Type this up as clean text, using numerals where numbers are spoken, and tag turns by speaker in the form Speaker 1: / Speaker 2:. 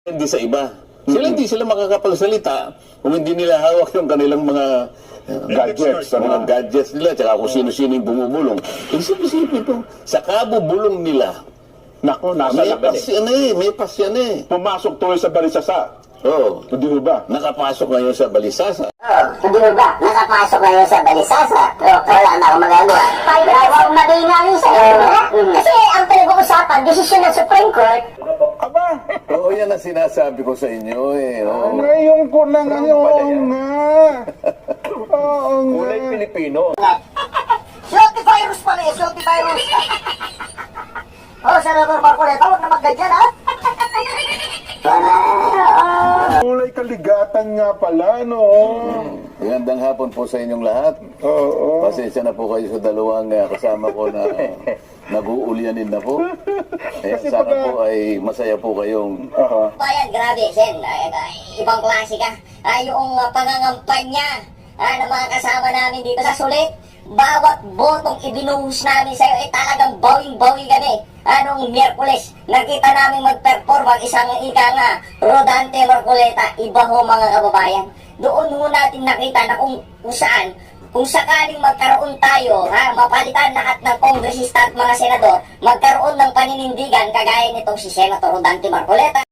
Speaker 1: Hindi sa iba. Hindi sila makakapagsalita kung hindi nila hawak yung kanilang mga gadgets, mga gadgets nila, tsaka kung sino-sino yung bumubulong. Isip-isipin po, sa kabubulong nila,
Speaker 2: Nako, nasa
Speaker 1: may
Speaker 2: labas.
Speaker 1: pas yan eh, may pas yan eh.
Speaker 2: Pumasok tuloy sa balisasa.
Speaker 1: Oo,
Speaker 2: Hindi mo ba?
Speaker 1: nakapasok ngayon sa balisasa.
Speaker 3: Hindi mo ba? Nakapasok ngayon sa balisasa. Wala na akong magagawa. Huwag magingay sa'yo. Kasi ang pinag-uusapan, desisyon ng Supreme Court.
Speaker 2: Aba,
Speaker 1: Oo, yan ang sinasabi ko sa inyo eh. Oo.
Speaker 2: ngayon ko na ngayon nga. Oo nga.
Speaker 4: Kulay Pilipino.
Speaker 3: Sulti virus pala eh, sulti virus. Senador Marcoleta, huwag na magganyan ha.
Speaker 2: Kulay kaligatan nga pala, no?
Speaker 1: Magandang hapon po sa inyong lahat.
Speaker 2: Oo.
Speaker 1: Pasensya na po kayo sa dalawang kasama ko na nag-uulyanin na po. Sana po ay masaya po kayong
Speaker 3: Bayan, grabe, Sen. Ibang klase ka. Yung pangangampanya ng mga kasama namin dito sa sulit. Bawat botong ibinuhos namin sa'yo ay talagang bawing-bawi kami. Anong Miyerkules, nakita namin mag-perform ang isang ika nga, Rodante Marcoleta. Iba ho mga kababayan. Doon ho natin nakita na kung saan, kung sakaling magkaroon tayo, mapalitan lahat ng kongresista at mga senador, magkaroon ng paninindigan kagaya nitong si Senator Rodante Marcoleta.